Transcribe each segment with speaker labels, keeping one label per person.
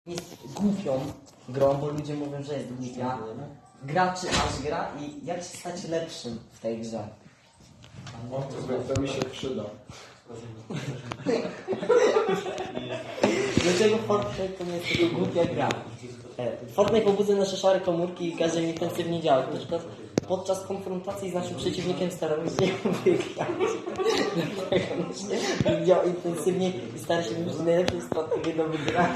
Speaker 1: jest głupią grą, bo ludzie mówią, że jest głupia. Gra czy aż gra i jak się stać lepszym w tej grze?
Speaker 2: To mi się przyda.
Speaker 1: Dlaczego Fortnite to nie jest tylko głupia gra? Fortnite pobudza nasze szare komórki i każe im intensywnie działać. Na przykład podczas konfrontacji z naszym przeciwnikiem staramy się wygrać. Działa intensywnie i stara się wymyślić najlepszą strategię do wygrania.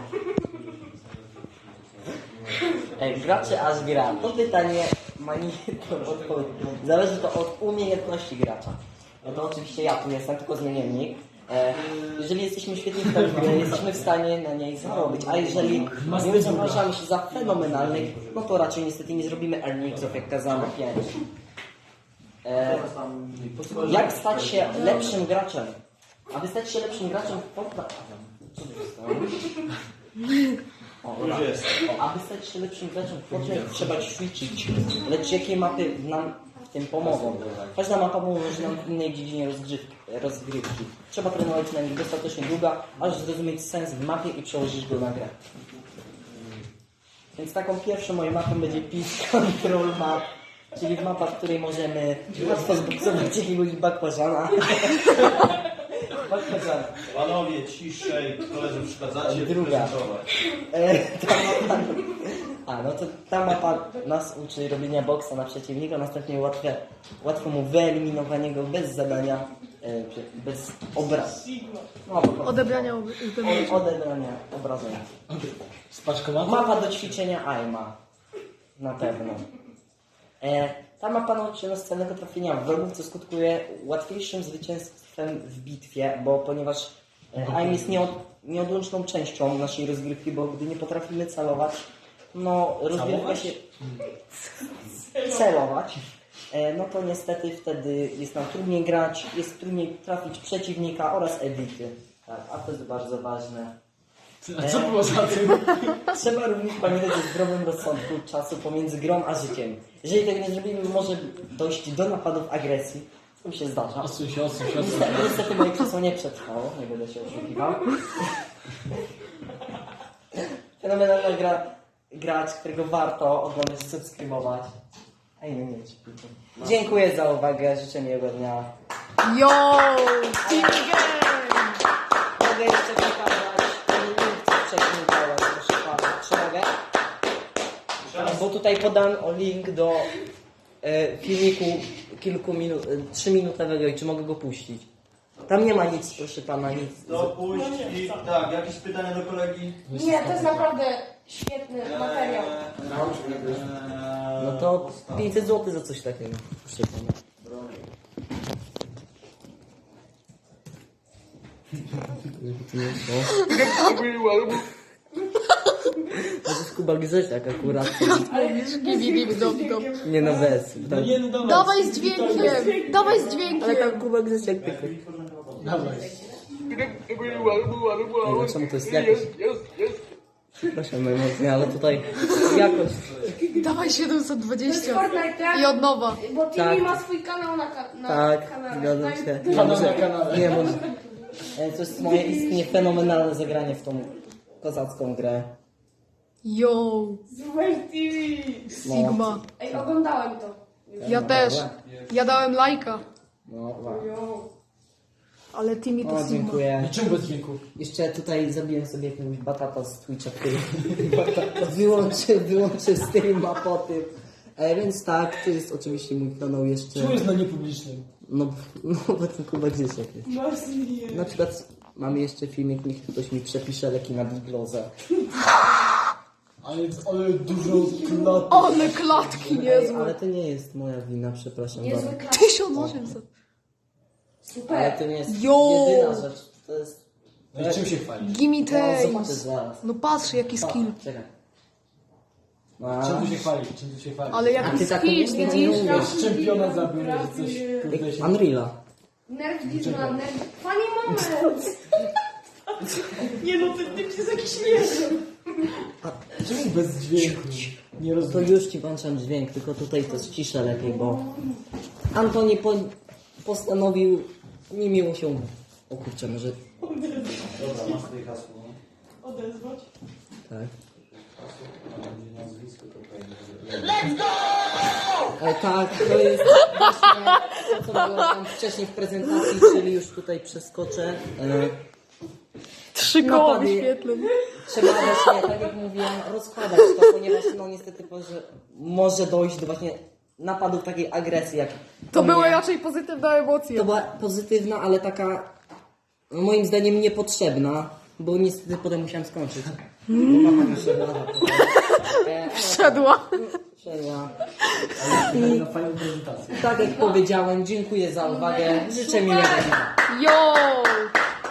Speaker 1: Gra czy aż gra? To pytanie ma niejedną odpowiedź. Zależy to od umiejętności gracza. No to oczywiście ja tu jestem, tylko zmiennik. Jeżeli jesteśmy świetni w tej grze, jesteśmy w stanie na niej zarobić, a jeżeli nie uważamy się za fenomenalnych, no to raczej niestety nie zrobimy earningsów, jak kazano 5. Jak stać się lepszym graczem? Aby stać się lepszym graczem w Fortnite... Co to jest? Aby stać się lepszym graczem w Fortnite trzeba ćwiczyć. Lecz jakie mapy nam w tym pomogą? Każda mapa pomoże nam w innej dziedzinie rozgrywki. Trzeba trenować na nich dostatecznie długo, aż zrozumieć sens w mapie i przełożyć go na grę. Więc taką pierwszą moją mapą będzie Peace Control Map, czyli mapa, w której możemy łatwo zboksować jakiegoś bakłażana.
Speaker 3: Panowie, ciszej, koledzy przeszkadzacie.
Speaker 1: Druga. No to ta mapa nas uczy robienia boksa na przeciwnika, następnie łatwo mu wyeliminowanie go bez zadania, bez obrazu.
Speaker 4: Odebrania
Speaker 1: obrażenia.
Speaker 2: Spaczkowaty?
Speaker 1: Mapa do ćwiczenia AIMA. Na pewno. Ta mapa nauczy nas celnego trafienia wrogów, co skutkuje łatwiejszym zwycięstwem w bitwie, ponieważ AIM jest nieodłączną częścią naszej rozgrywki, bo gdy nie potrafimy celować, no rozgrywka się... celować, no to niestety wtedy jest nam trudniej grać, jest trudniej trafić przeciwnika oraz edity. Tak, a to jest bardzo ważne.
Speaker 2: A co było za tym?
Speaker 1: Trzeba również pamiętać o zdrowym rozsądku czasu pomiędzy grą a życiem. Jeżeli tego nie zrobimy, może dojść do napadów agresji. To mi się zdarza.
Speaker 2: Odsuń się.
Speaker 1: Niestety moje krzesło nie przetrwało, nie będę się oszukiwał. Fenomenalna gracz, którego warto oglądać, subskrybować. A inny nie ćwiczy. Dziękuję za uwagę, życzę miłego dnia.
Speaker 4: Yo! Team Game!
Speaker 1: Mogę jeszcze pokazać link, co wcześniej dałem, proszę pana. Czy mogę? Bo tutaj podam link do filmiku 3-minutowego i czy mogę go puścić? Tam nie ma nic, proszę pana, nic.
Speaker 3: Dopuść i tak, jakieś pytania do kolegi?
Speaker 5: Nie, to jest naprawdę świetny materiał.
Speaker 1: No to 500 zł za coś takiego, proszę pana. To jest Kuba Grzesiak akurat. Nie no bez. Tam,
Speaker 4: Dawaj z dźwiękiem! Dawaj z
Speaker 1: ale
Speaker 4: dźwiękiem!
Speaker 1: tam Kuba Grzesiak tylko.
Speaker 2: Dawaj.
Speaker 1: No czemu to jest jakoś? Przepraszam najmocniej, ale tutaj jakoś.
Speaker 4: Dawaj
Speaker 5: To
Speaker 4: 720
Speaker 5: jest Fortnite, tak?
Speaker 4: i od nowa.
Speaker 5: Bo Timmy
Speaker 1: Tak.
Speaker 5: ma swój kanał na
Speaker 1: Tak,
Speaker 5: kanale.
Speaker 1: zgadzam
Speaker 5: tak?
Speaker 1: się.
Speaker 2: Kanał na kanale.
Speaker 1: Nie, może. To jest moje istnie fenomenalne zagranie w tą kozacką grę.
Speaker 4: Yo!
Speaker 5: Super TV!
Speaker 4: Sigma.
Speaker 5: Ej, oglądałem to.
Speaker 4: Ja też. Ja dałem lajka.
Speaker 1: No, wow.
Speaker 5: Jo.
Speaker 4: Ale Timmy to
Speaker 1: O,
Speaker 4: Sigma.
Speaker 1: dziękuję.
Speaker 2: Czemu bez dźwięku?
Speaker 1: Jeszcze tutaj zabiłem sobie jakiegoś batata z Twitcha, który wyłączył streama po tym. Więc tak, to jest oczywiście mój kanał jeszcze.
Speaker 2: Czemu jest na niepublicznym?
Speaker 1: No bo ten Kuba Grzesiak jest. Na przykład mamy jeszcze filmik, niech ktoś mi przepisze leki na diglozę.
Speaker 2: Ale dużo klat.
Speaker 4: Ale klatki niezłe.
Speaker 1: Ale to nie jest moja wina, przepraszam
Speaker 5: Niezły
Speaker 1: bardzo.
Speaker 5: klas.
Speaker 4: 1800.
Speaker 1: Ale
Speaker 5: Super.
Speaker 1: to nie jest
Speaker 4: Jo!
Speaker 1: jedyna rzecz. To jest...
Speaker 2: No i czym się chwali?
Speaker 4: Gimme
Speaker 1: No, zobaczysz
Speaker 4: taste.
Speaker 1: zaraz.
Speaker 4: No patrz jaki skill.
Speaker 1: Czekaj.
Speaker 2: Czym tu się chwali?
Speaker 4: Ale
Speaker 1: A
Speaker 4: jaki
Speaker 1: ty taką
Speaker 4: skill.
Speaker 1: myśl nie umiesz.
Speaker 2: Jakiś czempionat zabił, że coś kurde się...
Speaker 1: Unreal'a.
Speaker 5: Nerf Disneyland, nerf... Funny moment! Nie no, ty jest jakiś śmieszny.
Speaker 2: Czemu bez dźwięku? Nie
Speaker 1: To
Speaker 2: rozumiem.
Speaker 1: już ci włączam dźwięk, tylko tutaj to ściszę lepiej, bo Antoni postanowił niemiło się... O kurczę, może...
Speaker 3: Dobra, masz tutaj hasło.
Speaker 6: Odezwać.
Speaker 1: Tak. Tak, to jest właśnie to, co było tam wcześniej w prezentacji, czyli już tutaj przeskoczę.
Speaker 4: 3 koła
Speaker 1: Napady.
Speaker 4: wyświetleń.
Speaker 1: Trzeba właśnie, tak jak mówiłem, rozkładać to, ponieważ no niestety może dojść do właśnie napadów takiej agresji, jak
Speaker 4: To
Speaker 1: u
Speaker 4: były
Speaker 1: mnie.
Speaker 4: raczej pozytywne emocje.
Speaker 1: To była pozytywna, ale taka moim zdaniem niepotrzebna, bo niestety potem musiałem skończyć. Bo mama mi szedła za to.
Speaker 4: Wszedła.
Speaker 1: Szedła.
Speaker 2: Na fajną prezentację.
Speaker 1: Tak jak powiedziałem, dziękuję za uwagę. Życzę miłego dnia.
Speaker 4: Yo!